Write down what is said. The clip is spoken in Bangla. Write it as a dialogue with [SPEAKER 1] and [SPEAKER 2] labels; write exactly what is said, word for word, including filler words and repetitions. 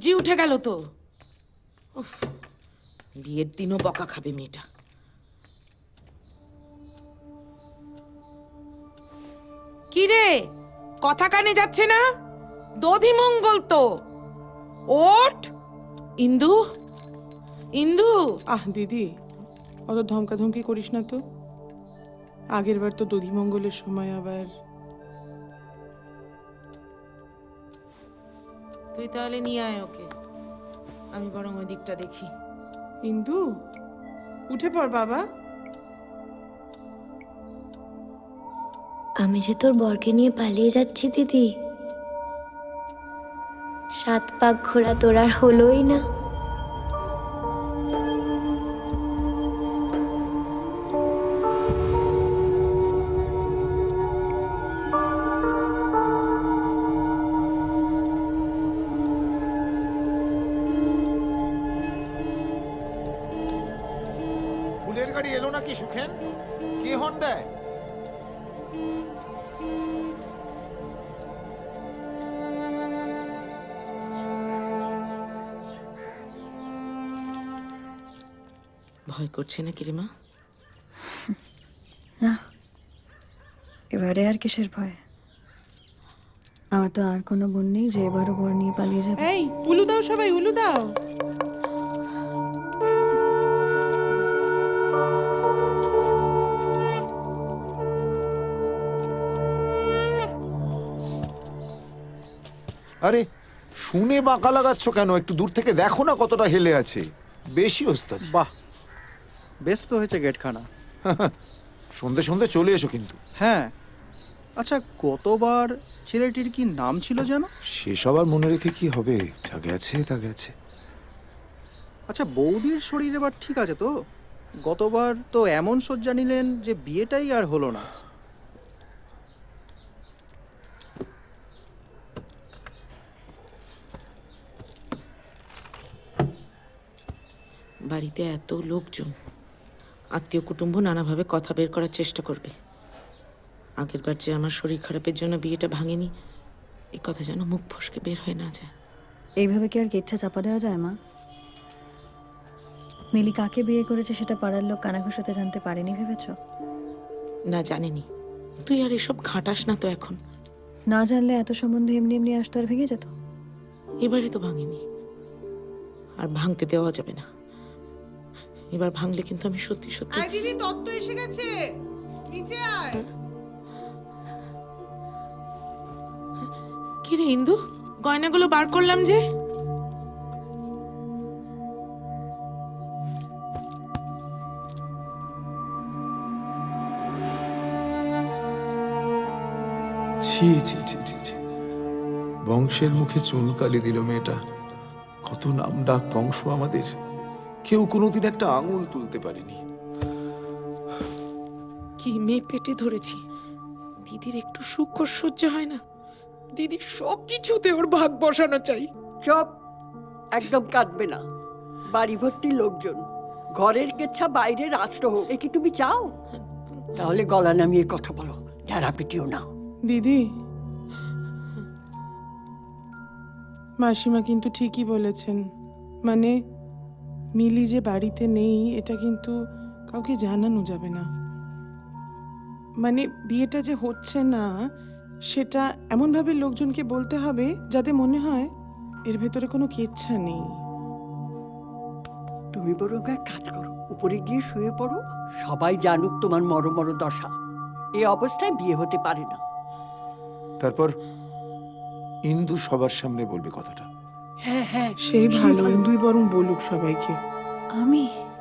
[SPEAKER 1] সূর্যি উঠে গেল তো। উফ, বিয়ের দিনও বকা খাবে মেয়েটা। কি রে, কথা কানে যাচ্ছে না? দধি মঙ্গল তো। ওঠ ইন্দু, ইন্দু।
[SPEAKER 2] আহ দিদি, অত ধমকাধমকি করিস না তো। আগের বার তো দধিমঙ্গলের সময় আবার।
[SPEAKER 1] তুই তাহলে নিয়ে আয় ওকে, আমি বরং ওই দিকটা দেখি।
[SPEAKER 2] ইন্দু, উঠে পড় বাবা।
[SPEAKER 3] আমি যে তোর বরকে নিয়ে পালিয়ে যাচ্ছি দিদি। সাত পাক ঘোরা তোর আর হলোই না।
[SPEAKER 4] ফুলের গাড়ি এলো নাকি সুখেন? কে হর্ন দেয়?
[SPEAKER 1] ভয় করছে না কি রে মা?
[SPEAKER 5] না, এবারে আর কিসের ভয়? আমার তো আর কোনো বোন নেই যে এবারও বর নিয়ে পালিয়ে যাবে।
[SPEAKER 2] এই উলু দাও সবাই, উলু দাও।
[SPEAKER 4] আরে শুনে বাঁকা লাগাচ্ছ কেন? একটু দূর থেকে দেখো না কতটা হেলে আছে। বেশি ওস্তাদ।
[SPEAKER 6] বাহ, বেশ তো হয়েছে গেটখানা।
[SPEAKER 4] সন্ধে সন্ধে চলে এসো কিন্তু।
[SPEAKER 6] হ্যাঁ, আচ্ছা গতবার ছেলেটির কি নাম ছিল যেন?
[SPEAKER 4] সেসব আর মনে রেখে কি হবে? যা গেছে তা গেছে।
[SPEAKER 6] আচ্ছা বৌদির শরীর এবার ঠিক আছে তো? গতবার তো এমন শয্যা নিলেন যে বিয়েটাই আর হলো না।
[SPEAKER 1] বাড়িতে এত লোকজন, আত্মীয় কুটুম্ব নানাভাবে কথা বের করার চেষ্টা করবে। আগেরবার যে আমার শরীর খারাপের জন্য বিয়েটা ভাঙেনি, এই কথা যেন মুখ ফসকে বের হয়ে না যায়।
[SPEAKER 5] এইভাবে কি আর কেচ্ছা চাপা দেওয়া যায় মা? মিলি কাকে বিয়ে করেছে সেটা পাড়ার লোক কানাঘুষোতে জানতে পারেনি ভেবেছ?
[SPEAKER 1] না জানেনি। তুই আর এসব ঘাঁটাস না তো এখন।
[SPEAKER 5] না জানলে এত সম্বন্ধে এমনি এমনি আসতো আর ভেঙে যেত।
[SPEAKER 1] এবারে তো ভাঙেনি, আর ভাঙতে দেওয়া যাবে না। এবার ভাঙলে কিন্তু আমি সত্যি সত্যি।
[SPEAKER 2] আয় দিদি, তত্ত্ব এসে গেছে, নিচে আয়।
[SPEAKER 1] কি রে ইন্দু, গয়নাগুলো বার করলাম যে।
[SPEAKER 4] ছি ছি ছি ছি ছি, বংশের মুখে চুনকালি দিল মেয়েটা। কত নাম ডাক বংশ আমাদের, কেউ কোনোদিন একটা আঙুল তুলতে পারেনি।
[SPEAKER 1] কি মেয়ে পেটে ধরেছি, দিদির একটু সুখ সহ্য হয় না? দিদির সব কিছুতে ওর ভাগ বসানো চাই।
[SPEAKER 7] চপ, একদম কাঁদবে না। বাড়ি ভর্তি লোকজন, ঘরের কেচ্ছা বাইরে রাষ্ট্র হোক, এ কি তুমি চাও? তাহলে গলা নামিয়ে কথা বলো, ঢেরা পিটিও না।
[SPEAKER 2] দিদি, মাসিমা কিন্তু ঠিকই বলেছেন। মানে মিলি যে বাড়িতে নেই এটা কিন্তু কাউকে জানানো যাবে না। মানে বিয়েটা যে হচ্ছে না সেটা এমনভাবে লোকজনকে বলতে হবে যাতে মনে হয় এর ভেতরে কোনো কেচ্ছা নেই।
[SPEAKER 7] তুমি বরং এক কাজ করো, উপরে গিয়ে শুয়ে পড়ো, সবাই জানুক তোমার মর মর দশা। এই অবস্থায় বিয়ে হতে পারে না।
[SPEAKER 4] তারপর ইন্দু সবার সামনে বলবে কথাটা।
[SPEAKER 7] হ্যাঁ হ্যাঁ,
[SPEAKER 2] সেই ভালো, ইন্দুই বরং বলুক সবাইকে।
[SPEAKER 5] আমি